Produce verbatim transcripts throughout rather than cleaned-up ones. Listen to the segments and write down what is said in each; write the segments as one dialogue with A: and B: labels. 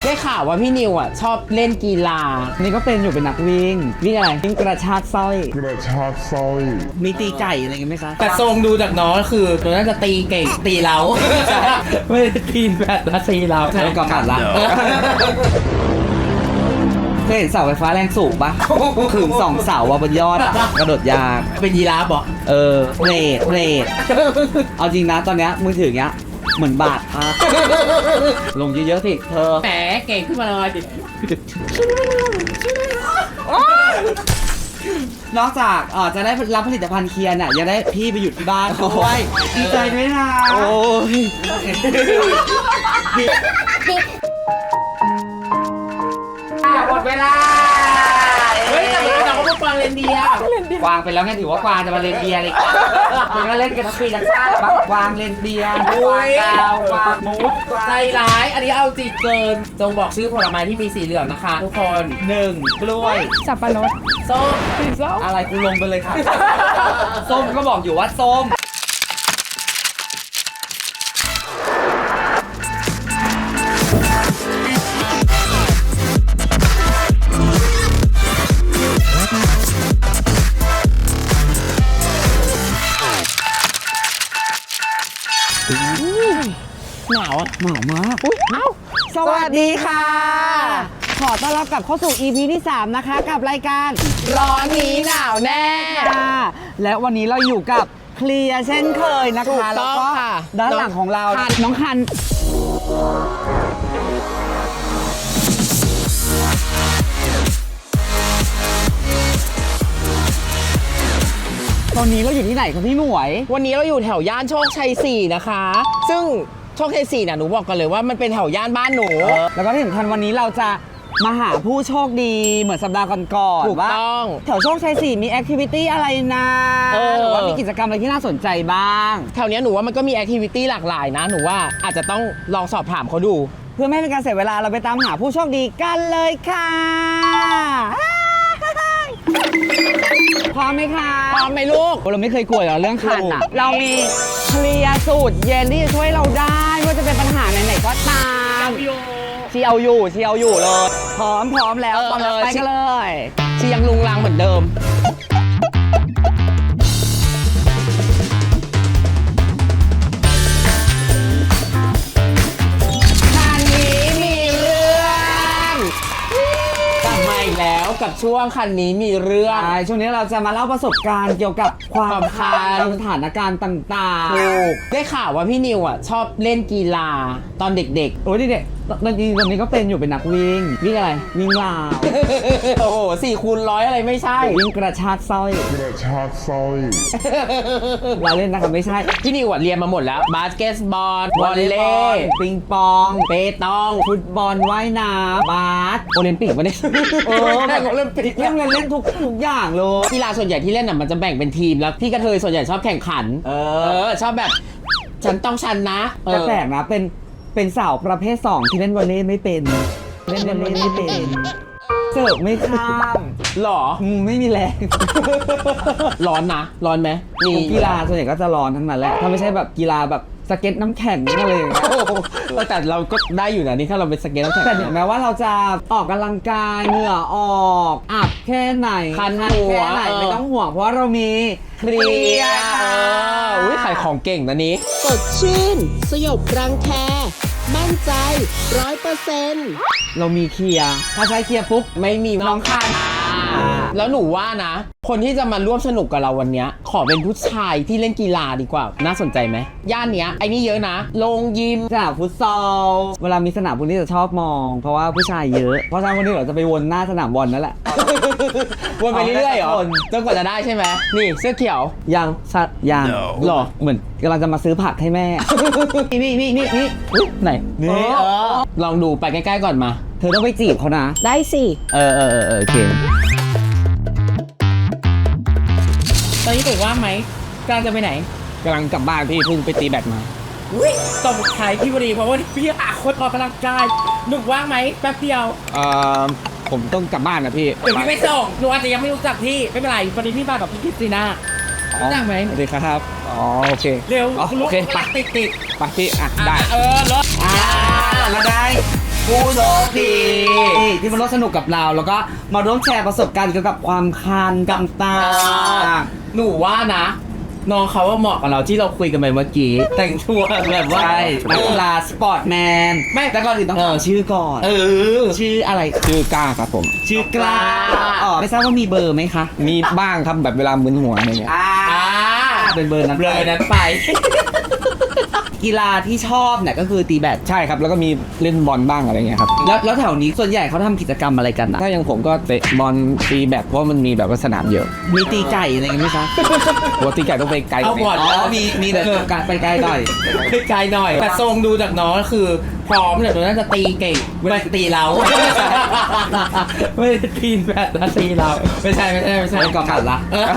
A: ได้ข่าวว่าพี่นิวอ่ะชอบเล่นกีฬานี่ก็เป็นอยู่เป็นนักวิ่งวิ่งอะไรวิ่งกระชากสร้อย
B: กระชากสร้อย
A: มีตีไก่อะไรกันไหมคะ
C: แต่ทรงดูจากน้องคือตัวน่าจะตีเก่งตีเรา
A: ไม่ได้ตีแบบละตีเราแล้วก็ขาดละเคยเห็นเสาไฟฟ้าแรงสูงปะถึงสองเสาว่าบนยอดกระโดดยาก
C: เป็นยีราฟบอก
A: เออเบรดเบรดเอาจริงนะตอนเนี้ยมือถือเงี้ยเหมือนบาดอ่ะลงเยอะๆสิเธอ
C: แหมเก่งขึ้นมาเลยดิ
A: นอกจากเออจะได้รับผลิตภัณฑ์เคียร์น่ะยังได้พี่ไปอยู่ที่บ้านด้วยดีใจด้วยนะโอ้ยหมดเวลา
C: เฮ้ยแต่เราก็ต้องฟังเรนเดีย
A: กวางไปแล้วไงถือว่ากวางจะมาเรนเดียเลยถึงก็เล่นกันทั้งปีทั้งชาติกวางเรนเดียกวางดาวกวางมูด
C: ใจร้ายอันนี้เอาจิตเกินจงบอกชื่อผลไม้ที่มีสีเหลืองนะคะทุกคน
A: หนึ่งกล้วย
D: สับปะรด
C: ส้ม
D: ส้ม
A: อะไรกูลงไปเลยค่ะส้มก็บอกอยู่ว่าส้ม
C: หนาวอ่ะ
A: หนาวมาก
D: อุ้ยเอ้า
A: สวัสดีค่ะขอต้อนรับกลับเข้าสู่ อี พี ที่สามนะคะกับรายการ
C: ร้อนนี้หนาวแน่
A: และวันนี้เราอยู่กับเคลียร์เช่นเคยนะคะแล้วก็ด้านหลังของเราน้องคันตอนนี้เราอยู่ที่ไหนครับพี่หมวย
C: วันนี้เราอยู่แถวย่านโชคชัยสี่นะคะซึ่งโชคชัยสี่น่ะหนูบอกกันเลยว่ามันเป็นแถวย่านบ้านหนู
A: แล้วก็ที่สำคัญวันนี้เราจะมาหาผู้โชคดีเหมือนสัปดาห์ก่อน
C: ๆถูกต้อง
A: แถวโชคชัยสี่มีแอคทิวิตี้อะไรนะหรือว่ามีกิจกรรมอะไรที่น่าสนใจบ้าง
C: แถวนี้หนูว่ามันก็มีแอคทิวิตี้หลากหลายนะหนูว่าอาจจะต้องลองสอบถามเขาดู
A: เพื่อไม่ให้เป็นการเสียเวลาเราไปตามหาผู้โชคดีกันเลยค่ะพร้อมไหมคะ
C: พร้อมไหมลูก
A: เราไม่เคยกลัวเรื่องคันอ่ะเรามีเคลียร์สูตรเย็นที่จะช่วยเราได้ไม่ว่าจะเป็นปัญหาไหนๆก็ตามเชียวอยู่เชียวอยู่เลยพร้อมพร้อมแล้วพร้อมแล้วไปกันเลย
C: เชียงลุงลังเหมือนเดิม
A: คันนี้มีเรื่อง
C: กลับมาอีกแล้วกับช่วงคันนี้มีเรื่อง
A: ช่วงนี้เราจะมาเล่าประสบการณ์เกี่ยวกับความคันสถานการณ์ต่างๆ
C: ถูกได้ข่าวว่าพี่นิวอ่ะชอบเล่นกีฬาตอนเด็กๆ
A: โอ้ยเด็กตอนนี้ตอนนี้ก็เป็นอยู่เป็นนักวิ่งวิ่งอะไรวิ่งราว
C: โอ้โหสี่คูณร้อยอะไรไม่ใช่
A: วิ่งกระชากสร้อย
B: กระชากสร้อย
A: เราเล่นนะครับไม่ใช่
C: พี่นิวเรียนมาหมดแล้วบาสเกตบอลวอลเลย์
A: ปิงปอง
C: เปตอง
A: ฟุตบอลว่ายน้ำบาสโอลิมปิกวะเนี่ย
C: เออแข่งโอลิมปิก
A: เล่นเล่นทุกทุกอย่างเลย
C: กีฬาส่วนใหญ่ที่เล่นน่ะมันจะแบ่งเป็นทีมแล้วพี่กระเทยส่วนใหญ่ชอบแข่งขันเออชอบแบบฉันต้องชันนะ
A: แต่แปลกนะเป็นเป็นสาวประเภทสองที่เล่นวอลเลย์ไม่เป็นเล่นวอลเลย์ไม่เป็นเสิร์ฟไม่ข้าม
C: หรอ
A: ไม่มีแรง
C: ร้อนนะร้อนไหม
A: มีกีฬาส่วนใหญ่ก็จะร้อนทั้งนั้นแหละถ้าไม่ใช่แบบกีฬาแบบสเก็ตน้ำแข็งอะไรอย่างเงี้ย
C: แต่เราก็ได้อยู่นะนี่ถ้าเราเป็นสเก็ตน้ำแข็ง
A: แต่ถึงแม้ว่าเราจะออกกำลังกายเหงื่อออกอับแค่ไหน
C: คันหัว
A: แค่ไหนไม่ต้องห่วงเพราะเรามี
C: เคลียร์อุ้ยขายของเก่งนะนี้
E: สดชื่นสยบรังแคมั่นใจร้อยเปอร์เซ็นต์
A: เรามีเคลียร์ถ้าใช้เคลียร์ปุ๊บ
C: ไม่มีน้องคันแล้วหนูว่านะคนที่จะมาร่วมสนุกกับเราวันนี้ขอเป็นผู้ชายที่เล่นกีฬาดีกว่าน่าสนใจไหมย่านเนี้ยไอ้นี่เยอะนะลงยิม
A: สนามฟุตซอลเวลามีสนามพวกนี้จะชอบมองเพราะว่าผู้ชายเยอะเพราะฉะนั้นวันนี้เราจะไปวนหน้าสนามบอลนั่นแหละ
C: วนไปเรื่อยๆเหรอจนกว่าจะได้ใช่ไหมนี่เสื้อเขียว
A: ยังสัตยังหรอเหมือนกำลังจะมาซื้อผักให้แม่นี่นี่นี่นี่ไหน
C: นี่ลองดูไปใกล้ๆก่อนมา
A: เธอต้องไปจีบเขานะ
C: ได้สิ
A: เออเออเออโอเค
C: ตอนนี้ถูกว่างไหมกำลังจะไปไหน
A: กำลังกลับบ้านพี่เพิ่งไปตีแบดมา
C: อุ้ยตบท้ายพี่บดีเพราะว่าพี่หาคนออกกำลังกายหนุกว่างไหมแป๊บเดียว
A: เอ่อผมต้องกลับบ้านนะพี่
C: เดี๋ยวพี่ไม่ส่งหนูอาจจะยังไม่รู้จักพี่ไม่เป็นไรวันนี้พี่มากับพี่คริสติน่ารู้จักไหม
A: สวัสดีครับอ๋อโอเค
C: เร็ว
A: โอเคไป
C: ติดติด
A: ไปพี่อ่ะได้
C: เออรถ
A: อ่ามาได้ผู้โชคดีที่มาร่วมสนุกกับเรา แล้วก็มาร่วมแชร์ประสบการณ์เกี่ยวกับความคันต่างๆ
C: หนูว่านะน้องเขาว่าเหมาะกับเราที่เราคุยกันไปเมื่อกี้แต่งตัวแบบว่า
A: ใช่นักกีฬาสปอร์ตแมนไม่แต่ก่อนอื่นต้อง
C: เออ
A: ถามชื่อก่อน
C: เออ
A: ชื่ออะไร
D: ชื่อกล้าครับผม
A: ชื่อกล้าอ๋อไม่ทราบว่ามีเบอร์ไหมคะ
D: มีบ้างครับแบบเวลามึนหัวอะไรเงี้ย
A: อ่า
C: อ่า
A: เป็นเบอร์นั้น
C: เบลอนั้นไป
A: กีฬาที่ชอบเนี่ยก็คือตีแบด
D: ใช่ครับแล้วก็มีเล่นบอลบ้างอะไรเงี้ยครับ
A: แล้วแล้วแถวนี้ส่วนใหญ่เขาทำกิจกรรมอะไรกันอะ
D: ถ้าอย่างผมก็เตะบอลตีแบดเพราะมันมีแบบว่าสนามเยอะ
A: มีตีไก่อะไรกันไหมคะ
D: ปกติไก่ต้องไปไกล
C: เอาบอล
A: อ๋อมีมีแต่การไปไกลหน่อย
C: ไกลหน่อย แต่ทรงดูจากน้องก็คือ พร้อมเนี่ยหนูน่าจะตีเก่งไม่ได้ตีเรา ไม่ได้ตีแบบนะตีเรา ไม่ใช่ไม่ใช่ไม่ใช่
A: ไม่ก่อการละ
C: เออ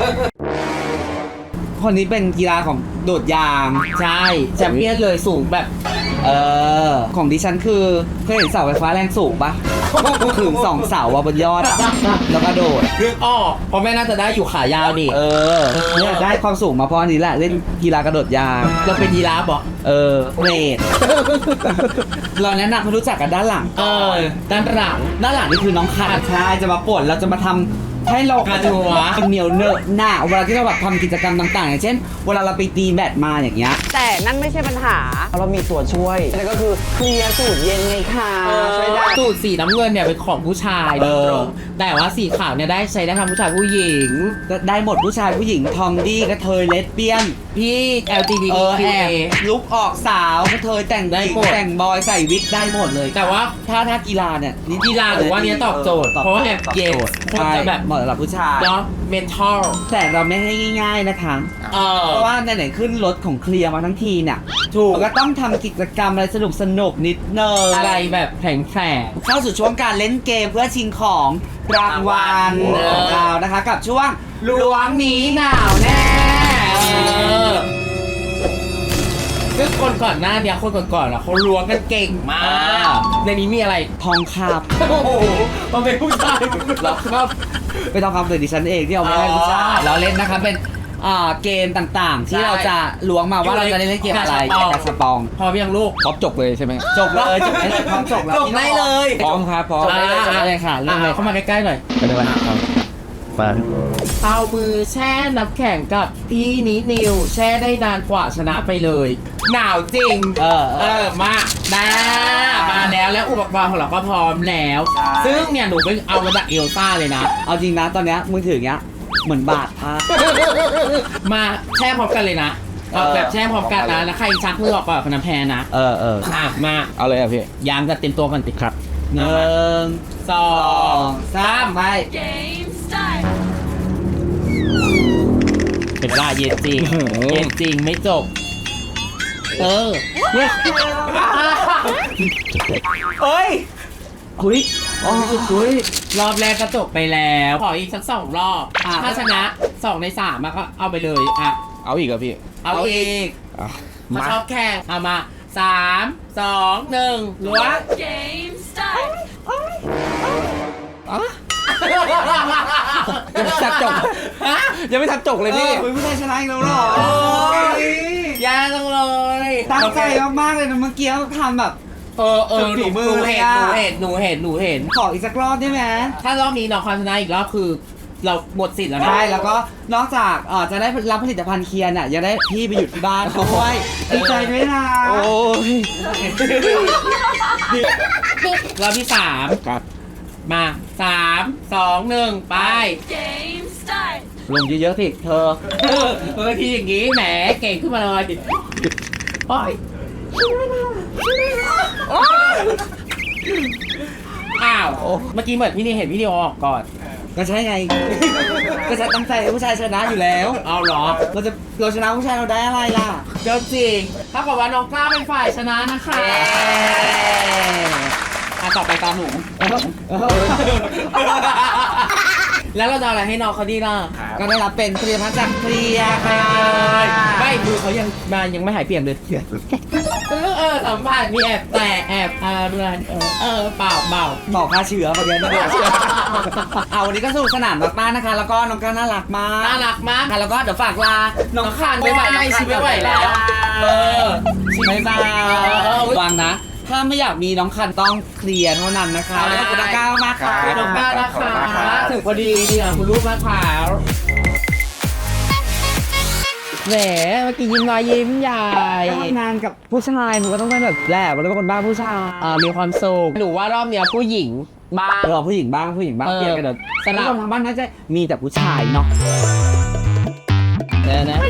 A: คนนี้เป็นกีฬาของโดดยาง
C: ใช่แชมเปี้ยนเลยสูงแบบ
A: เออ ของดิฉันคือเคยเห็นเสาไฟฟ้าแรงสูงปะขึงสองเสาอะบนยอดอะแล้วก็โดด
C: เรื่องอ้อเพราะแม่น่าจะได้อยู่ขายาวดิ
A: เออเนี่ยได้ความสูงมาเพราะอันนี้แหละเล่นกีฬากระโดดยาง
C: เราเป็นยีราฟเหรอ
A: เออเวท เราแนะนำให้รู้จักกันด้านหลัง
C: เออด้านหลัง
A: ด้านหลังนี่คือน้องคันใช่จะมาปวดเราจะมาทำให้เรา
C: กระดูกวะ
A: เหนียวเนอะหน้าเวลาที่เราแบบทำกิจกรรมต่างๆ อย่างเช่น เวลาเราไปตีแบดมาอย่างเงี้ยแต่นั่นไม่ใช่ปัญหาเรามีตัวช่วยนั่นก็คือเคลียร์สูตรเย็นไงค่ะช่วยได้
C: สูตรสีน้ำเงินเนี่ยเป็นของผู้ชาย
A: เออ
C: ตรงแต่ว่าสีขาวเนี่ยได้ใช้ได้ทั้งผู้ชายผู้หญิง
A: ได้หมดผู้ชายผู้หญิงทอมดี้กระเทยเลสเบี้ยน
C: พี่ แอล จี บี
A: เอ
C: ที
A: อแอบลุกออกสาวกระเทยแต่ง
C: ได้
A: หญิง
C: หมด
A: แต่งบอยใส่วิกได้หมดเลย
C: แต่ว่า
A: ถ้าถ้ากีฬาเนี่ยนี่
C: กีฬาหรือว่าเนี้ยตอบโจทย์
A: ตอบ
C: เพราะว่าแอบ
A: ตอบ
C: เย็น
A: โจทย์
C: คน
A: ใช่
C: จะแบบ
A: เหมาะสำหรับผู้ชาย
C: เนาะเมนทัล
A: แต่เราไม่ให้ง่าย ๆนะคะ
C: เออ
A: เพราะว่าไหนๆขึ้นรถของเคลียร์มาทั้งทีเนี่ย
C: ถูก
A: เราก็ต้องทำกิจกรรมอะไรสนุกสนุกๆนิดเนย
C: อะไรแบบแผลงแผลง
A: เข้าสู่ช่วงการเล่นเกมเพื่อชิงของรางวัล
C: เออ
A: ของเรานะคะ กับช่วงล้วงหนีหนาวแน่
C: เออซึ่งคนก่อนหน้าเนี่ยคนก่อนๆอ่ะเขาล้วงกันเก่งมาก ในนี้มีอะไร
A: ทองค
C: โอ้โหมันเป็นผู้ชายเหรอครับ
A: ำเป็นทองคำเลยดิฉันเองที่เอามาให้ผู้ชายเราเล่นนะคะเป็นอ่าเกมต่างๆ ที่
C: ใช่
A: เราจะล้วงมาว่าเราจะเล่นเกมอะไร
C: กา
A: กา
C: ส
A: ส
C: ป
A: ป
C: อ
A: อง ง
C: พร้อมยังลูก
D: ครบจบเลยใช่ไหม
A: จบเลยจบได้พร้อมจบแล้ว
C: จบได้เลย
D: พร้อมครับพร้อม
A: จบได้เลยจบได้เลยค่ะเริ่มเลย
C: เข้ามาใกล้ๆหน่อย
D: ไปเลยครับไป
C: เอามือแช่น้ำแข็งกับพี่นินิว แช่ได้นานกว่าชนะไปเลย หนาวจริง
A: เออ
C: เออ มามามาแล้วแล้วอุปกรณ์ของเราก็พร้อมแล้ว
A: ใช่
C: ซึ่งเนี่ยหนูไปเอามาจากเอลซ่าเลยนะ
A: เอาจริงนะตอนเนี้ยมือถือเนี้ยเหมือนบาดพา
C: มาแช่พร้อมกันเลยนะเอา
A: เออ
C: แบบแช่พร้อมกันนะ แล้วใครชักมือออกก่อนคนนั้นแพ้นะ
A: เออเออ
C: อ่ะมา
D: เอาเลยอ่ะพี่
C: ยางจะเต็มตัวกันติดครับ
A: หนึ่ง
C: สอ
A: สอง งสามไป
C: เป็นว่าเย็นจริง เย็นจริงไม่จบ เออเนี่ย
A: เอ้ยคุยโอ้คุย
C: รอบแรกก็จบไปแล้ว ขออีกสักสองรอบ
A: อ่ะ
C: ถ้าชนะสองในสามอะก็เอาไปเลยอ่ะ
D: เอาอีกเหรอพี่
C: เอาอีก
D: อ่ะ
C: มา
D: มา
C: ชอบแข่งเอามาสามสองหนึ่งล้วง
F: Game start.
D: ยังไม่ทันจบ
C: ฮะ
D: ยังไม่ทันจบเลยพี่
A: เออผู้ชายชนะอีกแล้วเหรอ
C: โอ้ย ยากจังเลย
A: ตั้งใจมากๆเลยนะเมื่อกี้ทำแบบ
C: เออเออห
A: ฝี
C: นู
A: มื
C: ห
A: อ
C: นู
A: เลย
C: เห็น
A: อะ
C: หนูเห็นหนูเห็นหนูเห็น
A: ขออีกสักรอบได้ไหม
C: ถ้ารอบนี้น้องคอนชนะอีกรอบคือ เราหมดสิทธิ์แล้วนะ
A: ใช่แล้วก็นอกจากเอ่อจะได้รับผลิตภัณฑ์เคียร์น่ะยังได้พี่ไปหยุดที่บ้านด้วยดีใจด้วยนะ
D: โอ้ย
C: รอบที่สาม
D: ครับ
C: มาสามสองหนึ่งไป
F: Game start.
A: ลงเยอะๆสิเธอ
C: เออเออทีอย่างงี้แหมเก่งขึ้นมาเลยโอ้ยอ้าวเมื่อกี้เหมือนพี่นี่เห็นพี่นี่ออกก่อน
A: ก็ใช่ไง ก็จะตั้งใจให้ผู้ชายชนะอยู่แล้ว
C: เอาเหรอ
A: เราจะเราชนะผู้ชายเราได้อะไรล่ะ
C: เจ้าจริงถ้ากับว่าน้องกล้าเป็นฝ่ายชนะนะคะอ่ะต่อไปตามหนู แล้วเราจะเอาอะไรให้น้องเขาดีล่ะ
A: ก็ได้รับเป็นผลิตภัณฑ์จากเคลียร์ค่ะ
C: ไม่มือเขายังมายังไม่หายเปลี่ยนเลยเออเออสัมผัสมีแอบแต่แอบอะไรเออเออเปล่าเปล่า
A: บอกค่าเชื้อมาเยอะนะเอาวันนี้ก็สนุกสนานมากๆนะคะ แล้วก็น้องก็น่ารักมาก
C: น่ารักมาก
A: ค่ะแล้วก็เดี๋ยวฝากลา น้องคาน
C: บ๊ายบายไม่ชิบไม่ไหวแล้ว เออ
A: บ๊ายบาย
C: เออ
A: วางนะถ้าไม่อยากมีน้องคันต้องเคลียร์เท่านั้นนะคะ
C: ใช่
A: ขอบคุณน้องก้าวมากค่ะ
C: ขอบคุณมากนะคะถึงพอดีดีอ่ะคุณลูกมากค่ะแหมเมื่อกี้ยิ้มน้อยยิ้มใหญ่
A: ทำงานกับผู้ชายหนูก็ต้องเป็นแบบแหละเราเป็นคนบ้าผู้ชาย
C: เออมีความสุขหนูว่ารอบเนี้ยผู้หญิงบ้าง
A: เออผู้หญิงบ้างผู้หญิงบ้าง
C: เออ
A: เปลี่ยนกันเดี๋ยว
C: สลับ
A: ผู้ชมทางบ้านน่าจะมีแต่ผู้ชายเนาะ
C: เดี๋ยวนะ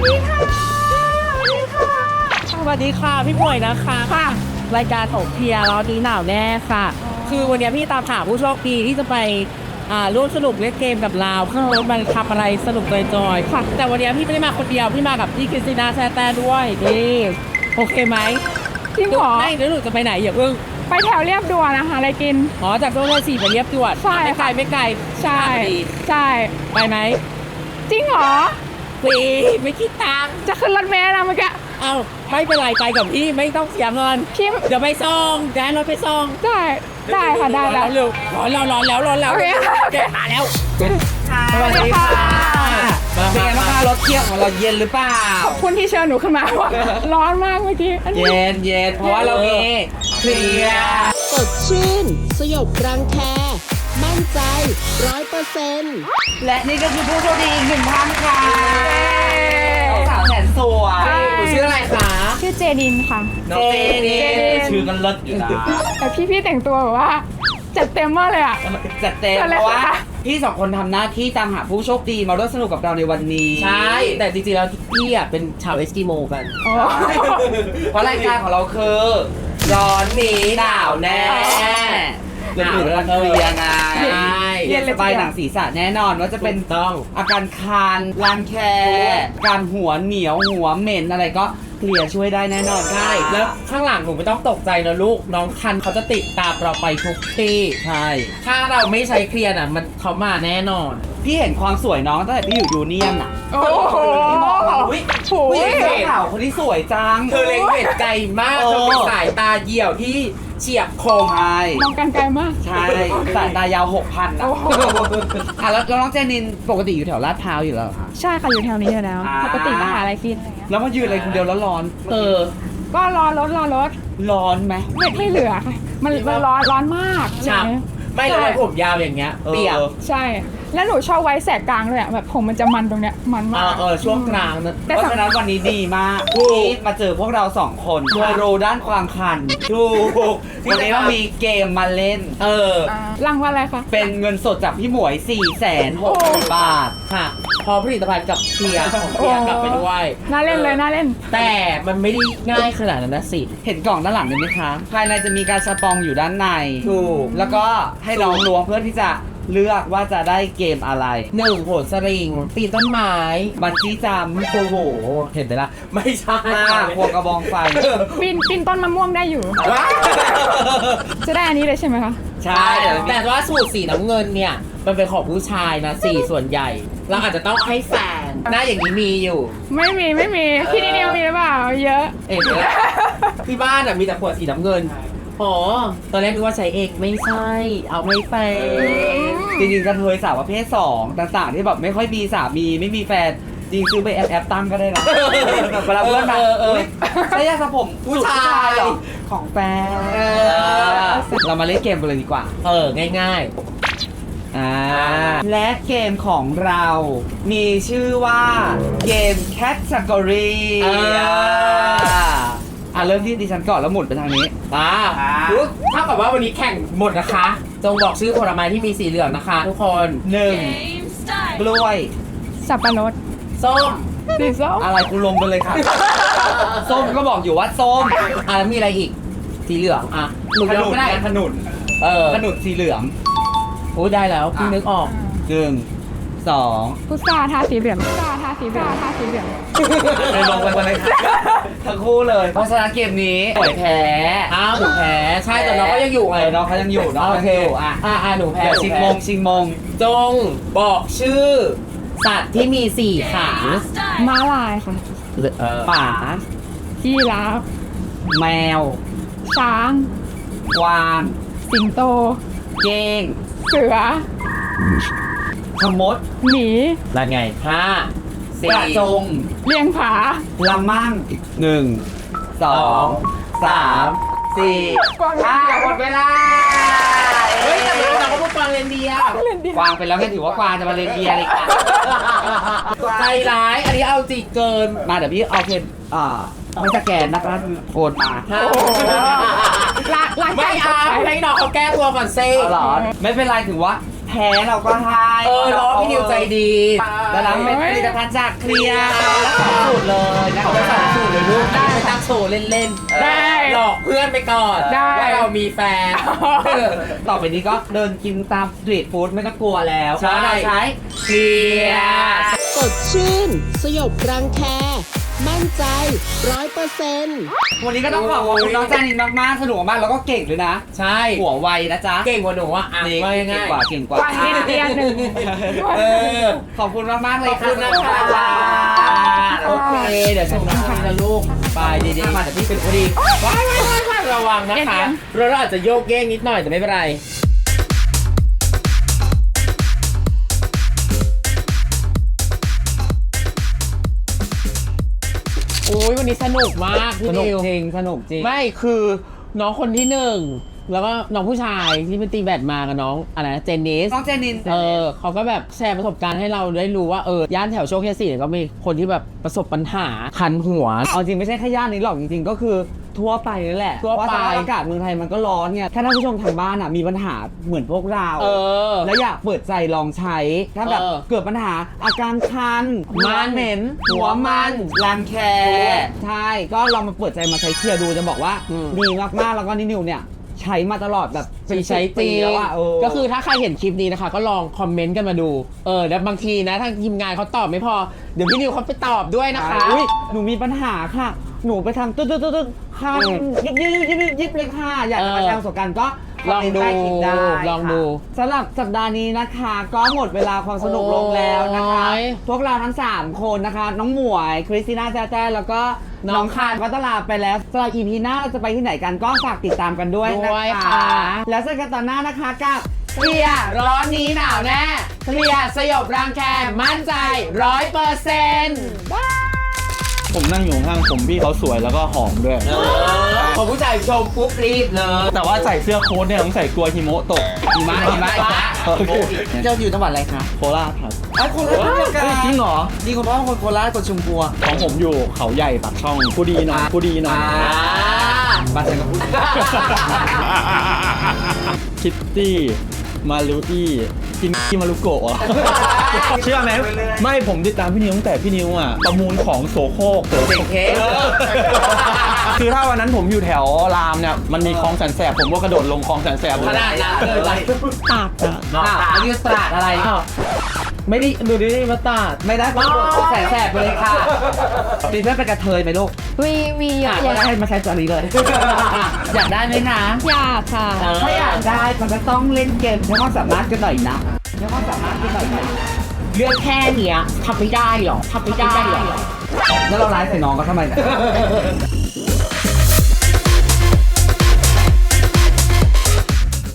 C: สวัสดีค่ะพี่ป่วยนะคะค่ะรายการถกเพียร์รอบนี้หนาวแน่ค่ะ คือวันนี้พี่ตามหาผู้โชคดีที่จะไปอ่าร่วมสนุกเล่นเกมกับเราเพื่อรถมันทำอะไรสนุกจอยๆค่ะ แต่วันนี้พี่ไม่ได้มาคนเดียวพี่มากับพี่คริสติน่าแซ่แต่ด้วยนี่โอเคไหม
G: จริงเหรอ
C: ไม่แล้วหนูจะไปไหนอย่าเพิ่ง
G: ไปแถวเรียบด่วนนะคะอะไรกิน
C: อ๋อจากโซนเลยสี่ไปเรียบด่วน
G: ใช่
C: ไม่ไกล
G: ค่ะ
C: ไม่ไกล
G: ใช่
C: พอดี
G: ใช่
C: ไปไหม
G: จริงเหรอ
C: ฟรีไม่คิดตังค์
G: จะขึ้นรถเมล์นะเมื่อกี้
C: เอ้าไม่เป็นไรไปกับพี่ไม่ต้องเสียเงิน
G: พี่
C: เดี๋ยวไปส่งแดนรถไปส่ง
G: ได้ได้ค่ะได้ได้
C: เร็วร้อนแล้วร้อนแล้วร้อนแล้ว
G: โอเค
C: เด็มาแล้ว
A: สวัสดีค่ะ
C: มา
A: เป็นไงบ้างคะรถเที่ยวของเราเย็นหรือเปล่า
G: ขอบคุณที่เชิญหนูขึ้นมาว่า ร้อนมากเมื่อกี้อันนี้
A: เย็นเย็นเพราะว่าเรามีเคลียร์
E: สดชื่น สยบรังแค มั่นใจร้อยเปอร์เซ็นต์
A: และนี่ก็คือผู้โชคดีอีกหนึ่งท่านค่ะสาวแสนสวย
C: หนูชื่ออะไรคะ
G: ชื่อเจดินค่ะ
A: น้องเจนี่ชื่อกันเลิศอยู่นะ
G: แต่พี่พี่แต่งตัวแบบว่าจัดเต็มมากเลยอ่ะ
A: จัดเต็ม
G: อะไร
A: เพราะว่า
G: คะ
A: พี่สองคนทำหน้าที่ตามหาผู้โชคดีมาร่วมสนุกกับเราในวันนี้
C: ใช่แต่จริงๆแล้วพี่อ่ะเป็นชาวเอสกิโมกัน
G: โอ้
A: เพราะรายการของเราคือร้อนนี้หนาวแน่เรื่องอื่นเราเคลียร์ไง
C: ใช่
A: เย็นสบายหนังศีรษะแน่นอนว่าจะเป็น
C: ถูกต้อง
A: อาการคันรังแคการหัวเหนียวหัวเหม็นอะไรก็เคลียร์ช่วยได้แน่นอน
C: ใช่แล้วข้างหลังหนูไม่ต้องตกใจนะลูกน้องคันเขาจะติดตามเราไปทุกที่
A: ใช่
C: ถ้าเราไม่ใช้เคลียร์น่ะมันเขามาแน่นอน
A: พี่เห็นความสวยน้องตั้งแต่พี่อยู่ยูเนียนอ่ะ
G: โอ้โห
A: อุ้ย
G: โอ้
A: ผู้หญิง
G: ย
A: เสื้อขาวคนที่สวยจัง
C: เธอเล็งเห็นไกลมาก
A: เออ
C: เธอเป็นสายตาเหี่ยวที่เฉียบคม
A: ใช่
G: มองกันไกลมาก
A: ใช่สายตายาวหกพันอ่ะ
G: โอ้โห
A: อ่ะแล้วแล้วน้องเจนินปกติอยู่แถวลาดพร้าวอยู่แล้วเหรอคะ
G: ใช่ค่ะอยู่แถวนี้อยู่แล้ว
A: อ่า
G: ปกติมาหาอะไรกินอะไรเงี้ย
A: แล้วมายืนอะไรคนเดียวแล้วร้อน
C: เออ
G: ก็รอรถรอรถ
A: ร้อนไหม
G: ไม่ไม่เหลือค่ะ มันมันร้อนร้อนมาก
C: ฉ่ำ
G: อะไรเงี้ย
C: ไม่แล้วไอ้ผมยาวอย่างเงี้ย
A: เออ
C: เปียก
G: ใช่ แล้วหนูชอบไว้แสกกลางเลยอะแบบผมมันจะมันตรงเนี้ยมัน
C: เอ
G: มา
C: อก เออช่วงกลางนะ
G: แต่
A: เพ
G: สำ
A: ราะฉะนั้นวันนี้ดีมาก
C: ถูก
A: ที่มาเจอพวกเราสองคนเพื่อรู้ด้านความคัน
C: ถูก
A: วันนี้เรามีเกมมาเล่น
C: เออ
G: อ่ารางวัลอะไรคะ
A: เป็นเงินสดจากพี่หมวย สี่แสนหกหมื่น บาท
C: ค่ะ พอผลิตภัณฑ์กับเคลียร์ของเคลียร์กลับไปด้วย
G: น่าเล่นเลยน่าเล่น
C: แต่มันไม่ได้ง่ายขนาดนั้นนะสิ
A: เห็นกล่องด้านหลังไหมคะ ภายในจะมีการสปองอยู่ด้านใน
C: ถูก
A: แล้วก็ให้น้องล้วงเพื่อที่จะเลือกว่าจะได้เกมอะไร
C: หนึ่งโหนสลิงปีนต้นไม้
A: บันจี้จัมป์โอ้โห
C: เห็นไหมล่ะ ไม่ใช่
A: ห้าควงกระบองไฟ
G: ปีนปีนต้นมะม่วงได้อยู่
C: ว้า
G: จะได้อันนี้เลยใช่ไหมคะ
A: ใช่เดี๋ยว
C: แต่ว่าสูตรสีน้ำเงินเนี่ย มันเป็นของผู้ชายนะสีส่วนใหญ่ เราอาจจะต้องให้แฟนหน้าอย่างนี้มีอยู่
G: ไม่มีไม่มีพี่นิวมีหรือเปล่า เยอะ
C: เอ็นที่บ้านอ่ะมีแต่ขวดสีน้ำเงิน อ๋อ ตอนแรกนึกว่าใช้เองไม่ใช่ เอาไม่แฟน
A: จริงๆกันเทยสาวประเภทสองต่างๆที่แบบไม่ค่อยมีสามีไม่มีแฟน จริงซื้อไปแอปแอปตั้งก็ได้นะแบบเวลาเพื่อนมา
C: เออเออ
A: อุ๊ยใช้ยาสระผม
C: ผู้ชาย
A: เหรอของแฟน
C: เออ
A: เรามาเล่นเกมกันเลยดีกว่า
C: เออ ง่าย
A: อ่าและเกมของเรามีชื่อว่าเกม Category
C: ๆอ่า
A: อ่ะเริ่มที่ดิฉันก่อนแล้วหมุนไปทางนี้
C: อ่า
A: อ่า
C: ปุ๊บเท่ากับว่าวันนี้แข่งหมดนะคะ จงบอกชื่อผลไม้ที่มีสีเหลืองนะคะ ทุกคน
A: หนึ่ง
F: Game start.
A: กล้วย
G: สับปะรด
C: ส้ม
G: สีส้ม
A: อะไรกูลงไปเลยค่ะ ส้มก็บอกอยู่ว่าส้ม
C: อ่าแล้วมีอะไรอีก สีเหลืองอ่ะหนู
A: ข
C: ย
A: นุ
C: ก
A: น
C: ไม่ได้
A: ขนุน
C: เออ
A: ขนุนสีเหลือง
C: โอ้ยได้แล้วพี่นึกออก
A: หนึ่งสอง
G: พุทราทาสีเหลืองพุทราทาสีเหลืองทาสีเหลือง
A: เลยลงไปเลยค่ะทั้งคู่เลย เพราะฉะนั้นเกมนี้ปล่อยแพ้
C: อ้าวหนูแพ้ใช่แต่น้องก็ยังอยู่
A: เอ
C: ไง
A: อน้องเขายังอยู่น้อง
C: โอ
A: เขา
C: เค
A: ยังอยู่อ่ะ
C: อ่าอ่าหนูแพ้
A: เดี๋ยว
C: หนู
A: ชิง
C: แพ้
A: มงชิงมง
C: จงบอกชื่อ สัตว์ที่มีสี่ขา
F: Game start.
G: ม้าลายค่ะ
C: เออ
A: ป่า
G: ยีราฟ
A: แมว
G: ช้าง
A: กวาง
G: สิงโต
A: เก้ง
G: เสือ
A: ขมด
G: หมี
C: แล้วไงห้าก
A: ระ
C: สี่
A: จง
G: เลียงผา
A: ละมั่งหนึ่งสองสามสี่ห้าหมดเวลา
C: เฮ้ยแต่เราก็พูดกวางเลนเดียร์
A: กวางไปแล้วแค่ถือว่ากวางจะมาเล่นเบียร์เลยค่ะ
C: ใจร้ายอันนี้เอาจริงเกิน
A: มาเดี๋ยวพี่เอาเพนอ่าไม่สแกนนะคะโอนมา
G: หลักหลัก
C: ไม่เอาให้น้องเขาแก้ตัวก่อนเซ่
A: เอาเหรอไม่เป็นไรถือว่าแพ้เราก็ให้
C: เออน้องพี่นิวใจดี
A: แต่เราเป็นผลิตภัณฑ์จากเคลียร์แล้วสองสูตรเลยนะ
C: เอาไปสองสูตรเลยลูกได้ไปตั้งโชว์เล่นๆ
G: ได้
C: หลอกเพื่อนไปก่อน
G: ได้
C: ว่าเรามีแฟน
A: ต่อไปนี้ก็เดินกินตามสตรีทฟู้ดไม่ต้องกลัวแล้ว
C: ใช่
A: เพราะเราใช้เคลียร์
E: สดชื่น สยบรังแค มั่นใจร้อยเปอร์เซ็นต์
A: วันนี้ก็ต้องขอบคุณน้องจานินมากๆสนุกมากแล้วก็เก่งด้วยนะ
C: ใช่
A: หัวไวนะจ๊ะ
C: เก่งกว่าหนูอ่ะอ่ะ
A: นี่
C: ว่า
A: เก่
C: ง่าง ย
A: กว่าเก่งกว่า
G: กวางนิดเดียวหนึ่ง
C: เออ
A: ขอบคุณมากๆเลย
C: ขอบคุณนะคะ
A: โอเคเดี๋ยวฉัน
C: นะ
A: ทำ
C: นะลูกไปดีๆ
A: มาแต่พี่เป็นคนดี
C: ว้ายว้ายว้ายว้ายระวังนะคะเราอาจจะโยกเย้งนิดหน่อยแต่ไม่เป็นไรโอ้ยวันนี้สนุกมากพี่
A: สนุก
C: นิว
A: จริงสนุกจริง
C: ไม่คือน้องคนที่หนึ่งแล้วก็น้องผู้ชายที่เป็นตีแบดมากับน้องอะไรนะเจนนิส
A: น้องเจนิน
C: เออเขาก็แบบแชร์ประสบการณ์ให้เราได้รู้ว่าเออย่านแถวโชคชัยสี่เนี่ยก็มีคนที่แบบประสบปัญหาคันหัว
A: เอาจริงไม่ใช่แค่ย่านนี้หรอกจริงๆก็คือทั่วไปนั่นแหละ
C: ทั่วไป
A: เพราะสภาพอากาศเมืองไทยมันก็ร้อนไงถ้าท่านผู้ชมทางบ้านอ่ะมีปัญหาเหมือนพวกเรา
C: เออ
A: แล้วอยากเปิดใจลองใช้ ถ้าแบบ
C: เออ
A: เกิดปัญหาอาการคัน
C: มัน
A: เหม็น หัวมันรังแคใช่ก็ลองมาเปิดใจมาใช้เคลียร์ดูจะบอกว่า
C: อืม
A: ดีมากๆแล้วก็นินิวเนี่ยใช้มาตลอดแบบเป็น
C: ใช้
A: สิบ
C: จ
A: ปี
C: ริง
A: แล้วอ่ะเออ
C: ก็คือถ้าใครเห็นคลิปนี้นะคะ ก็ลองคอมเมนต์กันมาดูเออแล้วบางทีนะถ้าทีมงานเขาตอบไม่พอเดี๋ยวพี่นิวเขาไปตอบด้วยนะคะ
A: อุ้ยหนูมีปัญหาค่ะ หนูไปทำตึ๊ดตึ๊ดตึ๊ดตึ๊ดคันยิบยิบยิบยิบยิบเลยค่ะอยากจะมาแชร์ประสบการณ์ก็
C: ลองดู
A: คมเมนต์ใต้คลิปได้
C: ลองดู
A: ค่ะสำหรับสัปดาห์นี้นะคะ ก็หมดเวลาความสนุกลงแล้วนะคะ
C: โอ้ย
A: พวกเราทั้งสามคนนะคะ น้องหมวยคริสติน่าแจ้แจ้แล้วก็
C: น้
A: น้
C: อ
A: อง งคานวัตลาไปแล้วสำหรับ อี พี หน้าเราจะไปที่ไหนกันก็ฝากติดตามกันด้วยนะ
C: ด้วย
A: คะ
C: ค่ะ
A: แล้วเจอกันตอนหน้านะคะกับเคลียร์ร้อนนี้หนาวแน่เคลียร์สยบรังแคมั่นใจร้อยเปอร์เซ็นต์
D: ผมนั่งอยู่ข้างผมพี่เขาสวยแล้วก็หอมด้วย
C: พอผู้ชายชมปุ๊บรีบเลย
D: แต่ว่าใส่เสื้อโค้ทเนี่ยต้องใส่กลัวหิมะตก
A: หิมะหิมะหิมะ
D: โอเค
A: เจ้าอยู่จังหวัดอะไรคะ
D: โคราชครับ
A: ไอ้คนละจังหวัดกัน
D: เฮ้ยจริงเหรอ
A: จริงคุณพ่อคนโคราชคนชุมพวง
D: ของผมอยู่เขาใหญ่ปากช่องผู้ดีหน่อยผู้ดีหน่อย
A: บ้านฉันก็พูด
D: คิตตี้มารุอี้กินที่มารุโกะอ่ะ เชื่อไหมไม่ผมติดตามพี่นิวตั้งแต่พี่นิวอ่ะประมูลของโสโครกโสโครก
A: เค้ก
D: คือถ้าวันนั้นผมอยู่แถวรามเนี่ยมันมีคลองแสนแสบผมก็กระโดดลงคลองแสนแสบ
C: ขนาดนั้นเลย
D: ตากอ่ะ
A: อ่ะอันนี้ตราดอะไร
C: ไม่ได้ดูดิมาตาด
A: ไม่ได้ก็โดนแสบแสบไปเลยค่ะมีเพื่อนเป็นกระเทยไหมลูก
G: มีมีเย
A: อ่ะ
G: อะ
A: ก็
G: แยะ
A: ได้มาใช้ตัวนี้เลย อยากได้ไหมนะ
G: อยากค่ะ
A: ถ้าอยากได้มันก็ต้องเล่นเกมใช้ความสามารถกันหน่อยนะใช้ความสามารถกันหน่อยนะ
C: เรื่องแค่เนี้ยทำไม่ได้หรอทำไม่ได้หรอ
A: แล้วเราไลฟ์ใส่น้องก็ทำไมเนี่ย